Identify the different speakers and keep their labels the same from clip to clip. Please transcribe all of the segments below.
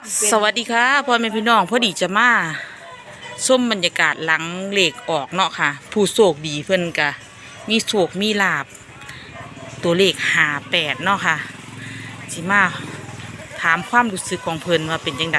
Speaker 1: สวัสดีค่ะพ่อแม่พี่น้องพอดีจะมาส้มบรรยากาศหลังเหล็กออกเนาะค่ะผู้โชคดีเพิ่นกะมีโชคมีลาบตัวเลข58เนาะค่ะสิมาถามความรู้สึกของเพิ่นว่าเป็นจังได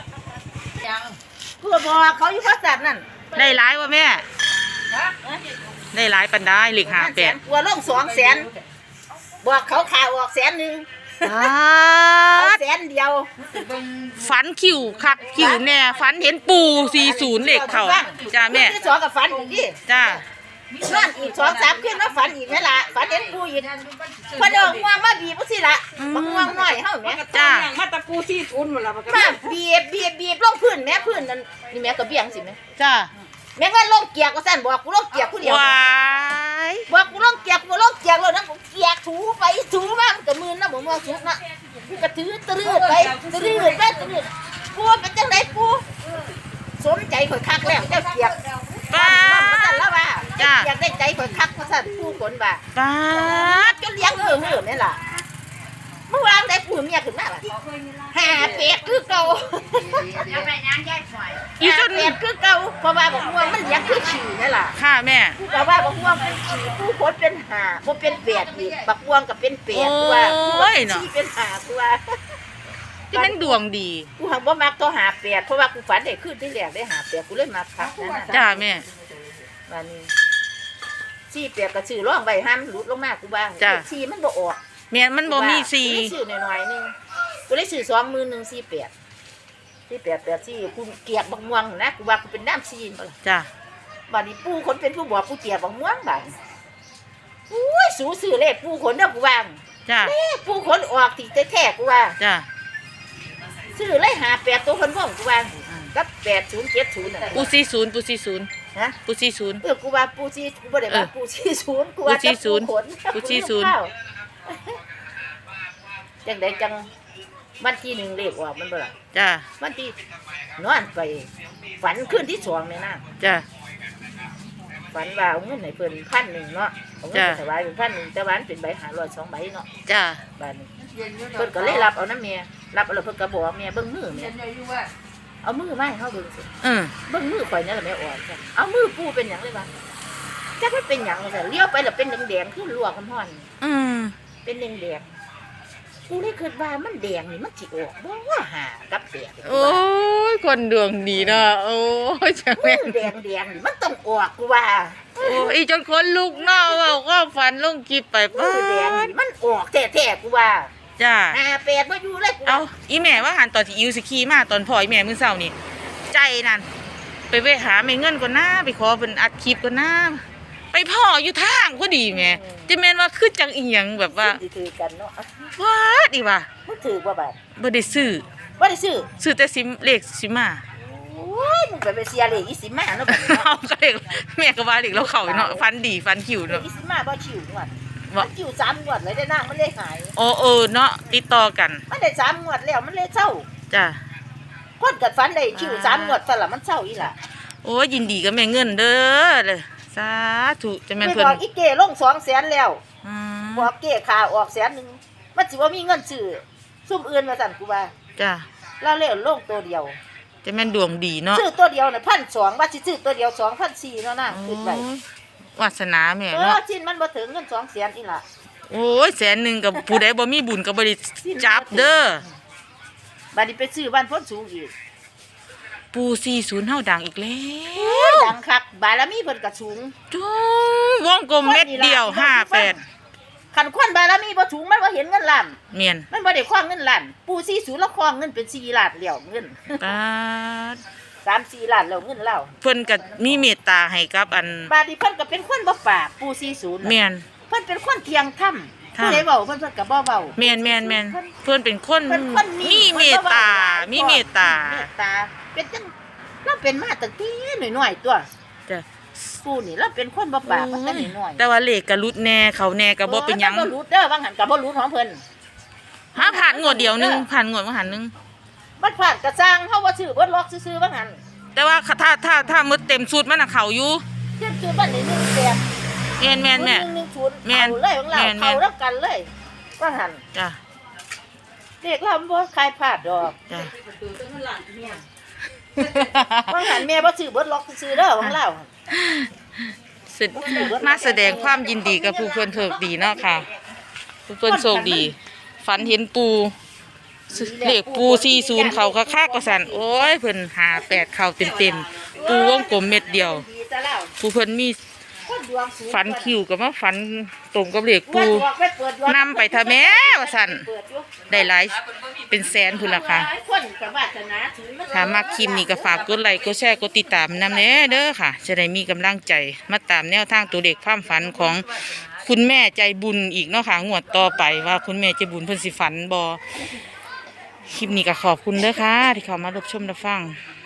Speaker 2: เพื่อบอกเขาอยู่ภาษานั่น
Speaker 1: ได้หลายวะแม่ได้หลายปันได้เลข58
Speaker 2: กลัวลง200,000บอกเขาข่าวออก100,000เอา100,000เดียว
Speaker 1: ฝันคิวคักคิวแน่ฝันเห็นปู40เลขเข้าจ้าแม่
Speaker 2: ที่สองกับฝันอีกดิ
Speaker 1: จ้า
Speaker 2: นั่นอีก2-3ขึ้นแล้วฝันอีกนั่นล่ะฝันเห็นปูอีกพอดอกม่วงมาบีบสิล่ะบักม่วงน้อยเฮาแม่
Speaker 1: จ้า
Speaker 3: มาตะกูที่ทุนหมดแล้ว
Speaker 2: มาบีบลงพื้นแม่พื้นนั่นนี่แม่ก็เบี้ยงสิแม่
Speaker 1: จ้า
Speaker 2: แม่เงินลงเกียกก็สั่นบอกกูลงเกียกผู้เดียว
Speaker 1: ว้าย
Speaker 2: บอกกูลงเกียกแล้วนะกูเกียกถูไปถูมามันก็มือนะบ่ม่วงสุกนะกูก็ถือตรืดไปตรืดกูเป็นจังไดกูสมใจข่อยคักแล้วเจ้าเกียก
Speaker 1: ป้า
Speaker 2: มันสั่นแล้วว่า
Speaker 1: จ้า
Speaker 2: อยากได้ใจข่อยคักเพราะสั่นผู้คนว่า
Speaker 1: ป้า
Speaker 2: จนเลี้ยงมือนี่ล่ะเมื่อวานได้ผู้เมียขึ้นมาล่ะหาเป็ดคือเก่า
Speaker 1: อีจน
Speaker 2: เป็ดคือเก่าเพราะว่าบอกม่วงมันเลี้ยงคือฉี่นี่ล่ะ
Speaker 1: ค่ะแม่
Speaker 2: กูก็ว่าบอกม่วงเป็นฉี่ผู้คนเป็นหาบ่เป็นเป็ดอีกบักม่วงก็เป็นเป็ดกูว่าฉี่เป็นหากูว่า
Speaker 1: ที่มันดวงดี
Speaker 2: กูหังบ่มักตัวหาเป็ดเพราะว่ากูฝันได้ขึ้นที่แรกได้หาเป็ดกูเลยมักคักนั่นน่ะ
Speaker 1: จ้าแม่
Speaker 2: วันนี้ชี้เป็ดก็ซื้อร่องใบห้ามหลุดลงมากูบ้างชี้มันบ่ออก
Speaker 1: แม่มันบ่มีสี
Speaker 2: กูได้ซื้อหน่อยๆนึงกูได้ซื้อ48กูเกียกบักม่วงนะกูว่ากูเป็นน้ำซีนบ่ล่ะ
Speaker 1: จ้า
Speaker 2: บัดนี้ปู่คนเป็นผู้บอกกูเกียกบักม่วงบัดอุ้ยสูซื้อเลขปู่คนเด้อกูว่า
Speaker 1: จ้า
Speaker 2: ปู่คนออกที่แท้ๆกูว่า
Speaker 1: จ้า
Speaker 2: ซื้อเลย58ตัวคนพ่อกูว่ากับ8070น่ะ
Speaker 1: ปู40
Speaker 2: ฮะ
Speaker 1: ปู40
Speaker 2: กูว่าปูชีกูบ่ได้ว่าปูชีศูนย์กูว่าจะปูขน
Speaker 1: ปูชีศูนย์
Speaker 2: จังไดจังวันที่1เลขออกมันบ่ล่ะ
Speaker 1: จ้า
Speaker 2: วันที่นอนไปฝันขึ้นที่2นี่นะ
Speaker 1: จ้า
Speaker 2: ฝันว่าเอาเงินให้เพิ่น1,000เนาะเอาเงินไปถวายเป็น1,000แต่ว่ามันเป็นใบ500 2ใบเนาะ
Speaker 1: จ้า
Speaker 2: บัดนี้เพิ่นก็เลยรับเอานำแม่รับเอาแล้วเพิ่นก็บอกว่าแม่เบิ่งมือแม่เอามือมาให้เฮาเบิ่งสิ
Speaker 1: อืม
Speaker 2: เบิ่งมือข่อยนั่นแหละแม่อ่อนจ้ะเอามือปูเป็นหยังเลยวะจักมันเป็นหยังซะเลี้ยวไปแล้วเป็นแดงๆคือลวกน้ำร้อน
Speaker 1: อืม
Speaker 2: เป็นแดงๆกูเลยคิดว่ามันแดงนี่มันสิออกบ่ว่าหากับแดง
Speaker 1: โอ้ยคนดวงดีเนาะโอ้ยจัง
Speaker 2: แม่
Speaker 1: แม่
Speaker 2: แดงนี่มันต้องออกกูว่า
Speaker 1: โอ้ยจนคนลุกเนาะเว้าก็ฝันลงคลิปไป
Speaker 2: มื
Speaker 1: ป้า
Speaker 2: อแดงนี่มันออกแท้ๆกูว่า
Speaker 1: จ้า
Speaker 2: เป็ดบ่อยู่เลยกู
Speaker 1: เอาอีแม่ว่าหันตอนที่อิวสิขี่มาตอนพ่ออีแม่มื้อเช้านี่ใจนั่นไปหาแม่เงินก่อนนะไปขอเพิ่นอัดคลิปก่อนนะไปพ่ออยู่ทางพอดีแม่จะแม่นว่าคือจังอีหยังแบบว่า
Speaker 2: สิถือกันเนาะ
Speaker 1: ว้าดีว่ะ
Speaker 2: มึงถือบ่บาด
Speaker 1: บ่ได้ซื้อ
Speaker 2: บ่ได้ซื้อ
Speaker 1: ซื้อแต่ซิมเลขซิมา
Speaker 2: โอ้ยมึงไปเสียเลยอีสิมาเนาะบัดนี้เนาะ
Speaker 1: เอาก็เลขแม่ก็ว่าเลขเราเข้าเนาะฟันดีฟันคิวเนาะ
Speaker 2: อีสิมาบ่ชิวงวด
Speaker 1: บ่
Speaker 2: มันชิว3งวดเลยได้นางมันเลยหาย
Speaker 1: โอ้เนาะติดต่อกัน
Speaker 2: มันได้3งวดแล้วมันเลยเศร้า
Speaker 1: จ้ะ
Speaker 2: คนกัดฟันได้ชิว3งวดซั่นล่ะมันเศร้าอีหล่ะ
Speaker 1: โอ้ยยินดีกับแม่เงินเด้อเลยสาธุจะแม่น
Speaker 2: ไม่
Speaker 1: เพิ่น
Speaker 2: บอกอีเก้ลง200,000แล้ว
Speaker 1: อืม
Speaker 2: บอกเก้ขาออก100,000มันสิว่ามีเงินซื้อซุ่มอื่นว่าซั่นกูว่า
Speaker 1: จ้ะ
Speaker 2: แล้วเลยลงตัวเดียว
Speaker 1: จะแม่นดวงดีเนาะ
Speaker 2: ซื้อตัวเดียวน่ะ1,200ว่าสิซื้อตัวเดียว2,400เนาะนะขึ้นไป
Speaker 1: โอ้ยวาสนาแม่เนาะ
Speaker 2: ชิ้นมันบ่ถึงเงิน200,000อีหล่ะ
Speaker 1: โอ้ย100,000กับผู้ใดบ่มีบุญก็บ่ได้จับเด้อ
Speaker 2: บัดนี้ไปซื้อบ้านพ้นสูงอีก
Speaker 1: ปู40เฮาดังอีกแล้ว
Speaker 2: ดังคักบารมีเพิ่นก็สูง
Speaker 1: จุ้งวงกลมเม็ดเดียว58
Speaker 2: คันคนบารมีบ่สูงมันบ่เห็นเงินล้าน
Speaker 1: เมียน
Speaker 2: มันบ่ได้คว้างเงินล้านปู่40แล้วคว้างเงินเป็น4ล้านแล้วเงิน
Speaker 1: ปาด
Speaker 2: 3-4ล้านแล้วเงินเรา
Speaker 1: เพิ่นก็มีเมตตาให้กับอัน
Speaker 2: บาดนี้เพิ่นก็เป็นคนบ่ปากปู่40น่ะ
Speaker 1: เมียน
Speaker 2: เพิ่นเป็นคนเที่ยงธรรม
Speaker 1: ค่ะ
Speaker 2: ผู้ใดเว้าเพิ่นก็บ่เว้า
Speaker 1: แม่นเพิ่นเป็นคน
Speaker 2: เพิ่นคน
Speaker 1: มีเมตตามีเมตตา
Speaker 2: เมตตาเป็นจังเราเป็นมาตั้งแต่น้อยๆตัว
Speaker 1: จ้ะ
Speaker 2: ปู่นี่เราเป็นคนบ่ปากมาแต่น้อยๆ
Speaker 1: แต่ว่าเลขก็รุดแน่เขาแน่ก็บ่เป็นหยัง
Speaker 2: บ่รู้เด้อบางหันก็บ่รู้ของเพิ่น
Speaker 1: หาผ่านงวดเดียวนึงผ่านงวดมาหันนึง
Speaker 2: มันผ่านกระสร้างเฮาว่าซื้อบ่ล็อกซื่อๆบางหัน
Speaker 1: แต่ว่าถ้ามืดเต็มสูตรมันน่ะเขาอยู่
Speaker 2: เทียบซื้อบ้านนี้1แสน
Speaker 1: แม่นแม่นแม่
Speaker 2: 1ชุด
Speaker 1: แม่น
Speaker 2: เอาเลยของเรา
Speaker 1: แม่น
Speaker 2: เขารับกันเลยบางหัน
Speaker 1: จ้ะ
Speaker 2: เด็กเราบ่คายพลาดดอก
Speaker 1: จ้ะ
Speaker 2: บางหันแม่บ่ซื้อเบิดล็อกซื้อเด้อของเรา
Speaker 1: มาแสดงความยินดีกับผู้เพิ่นโชคดีเนาะค่ะผู้เพิ่นโชคดี ฝันเห็นปูเลขปู40เขาคักๆก็สั่นโอ้ยเพิ่น58เข้าเต็มๆปูวงกลมเม็ดเดียว
Speaker 2: ดีแต่แล้ว
Speaker 1: ผู้เพิ่นมี
Speaker 2: คนดวงสูง
Speaker 1: ฝันคิวก็มาฝันตรงกับเลขปู นำไปทะแม่ว่าสั่น
Speaker 2: เปิดอยู่
Speaker 1: ได้หลายเป็นแสนพุ่นล่ะค่ะ
Speaker 2: คนกับวาสนาถือมัน
Speaker 1: ถ้ามักคลิปนี้ก็ฝากกดไลค์กดแชร์กดติดตามนำแน่เด้อค่ะ จะได้มีกำลังใจมาตามแนวทางตัวเลขความฝันของคุณแม่ใจบุญอีกเนาะค่ะงวดต่อไปว่าคุณแม่ใจบุญเพิ่นสิฝันบ่คลิปนี้ก็ขอบคุณเด้อค่ะ ที่เข้ามารับชมรับฟัง